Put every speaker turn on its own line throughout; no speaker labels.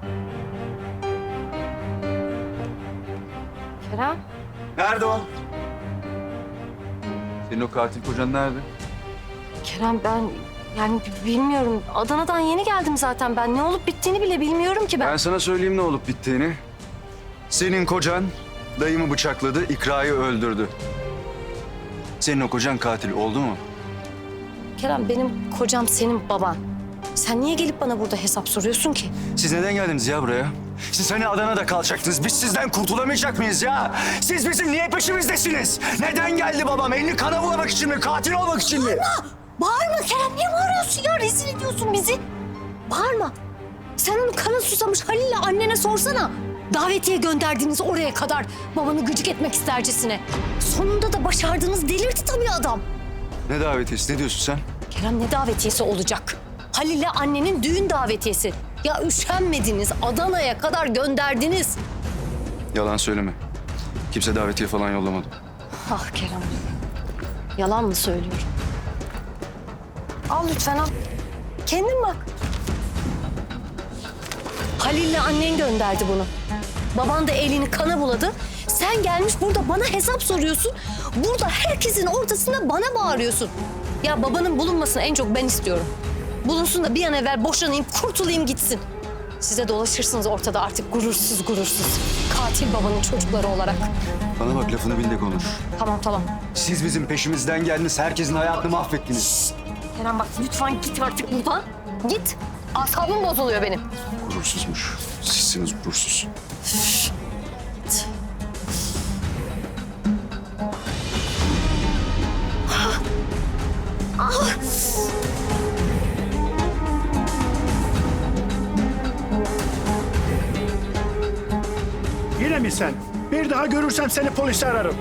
Kerem.
Nerede o? Senin o katil kocan nerede?
Kerem ben yani bilmiyorum. Adana'dan yeni geldim zaten ben. Ne olup bittiğini bile bilmiyorum ki ben.
Ben sana söyleyeyim ne olup bittiğini. Senin kocan dayımı bıçakladı, İkra'yı öldürdü. Senin o kocan katil oldu mu?
Kerem benim kocam senin baban. Sen niye gelip bana burada hesap soruyorsun ki?
Siz neden geldiniz ya buraya? Siz hani Adana'da kalacaktınız. Biz sizden kurtulamayacak mıyız ya? Siz bizim niye peşimizdesiniz? Neden geldi babam? Elini kana bulamak için mi? Katil olmak için mi?
Bağırma Kerem. Niye bağırıyorsun ya? Rezil ediyorsun bizi. Bağırma. Sen onu kana susamış Halil'le annene sorsana. Davetiye gönderdiğiniz oraya kadar babanı gıcık etmek istercesine. Sonunda da başardınız. Delirdi tabii adam.
Ne davetiyesi? Ne diyorsun sen?
Kerem ne davetiyesi olacak? Halil'le annenin düğün davetiyesi. Ya üşenmediniz. Adana'ya kadar gönderdiniz.
Yalan söyleme. Kimse davetiye falan yollamadı.
Ah Kerem. Yalan mı söylüyorum? Al lütfen al. Kendin bak. Halil'le annen gönderdi bunu. Baban da elini kana buladı. Sen gelmiş burada bana hesap soruyorsun. Burada herkesin ortasında bana bağırıyorsun. Ya babanın bulunmasını en çok ben istiyorum. Bulunsun da bir an evvel boşanayım, kurtulayım gitsin. Size dolaşırsınız ortada artık gurursuz gurursuz. Katil babanın çocukları olarak.
Bana bak lafını bil de konuş.
Tamam.
Siz bizim peşimizden geldiniz. Herkesin hayatını mahvettiniz.
Kerem bak lütfen git artık buradan. Git. Asabım bozuluyor benim.
Gurursuzmuş. Sizsiniz gurursuz.
Yine mi sen? Bir daha görürsem seni polise ararım.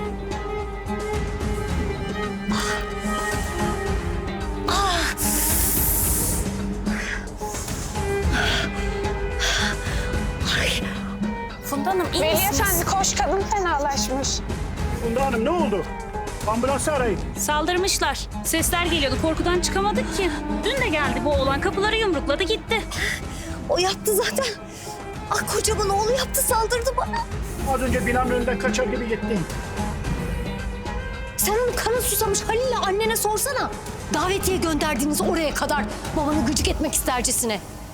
Funda Hanım iyi
Veli
misiniz?
Efendi koş, kadın fenalaşmış.
Funda Hanım ne oldu? Ambulansı arayın.
Saldırmışlar. Sesler geliyordu. Korkudan çıkamadık ki. Dün de geldi bu oğlan. Kapıları yumrukladı gitti.
O yaptı zaten. Ah kocamın oğlu yaptı saldırdı bana.
Az önce binanın önünden kaçar gibi gittin.
Sen onu kana susamış Halil'le annene sorsana. Davetiye gönderdiğiniz oraya kadar babanı gıcık etmek istercesine.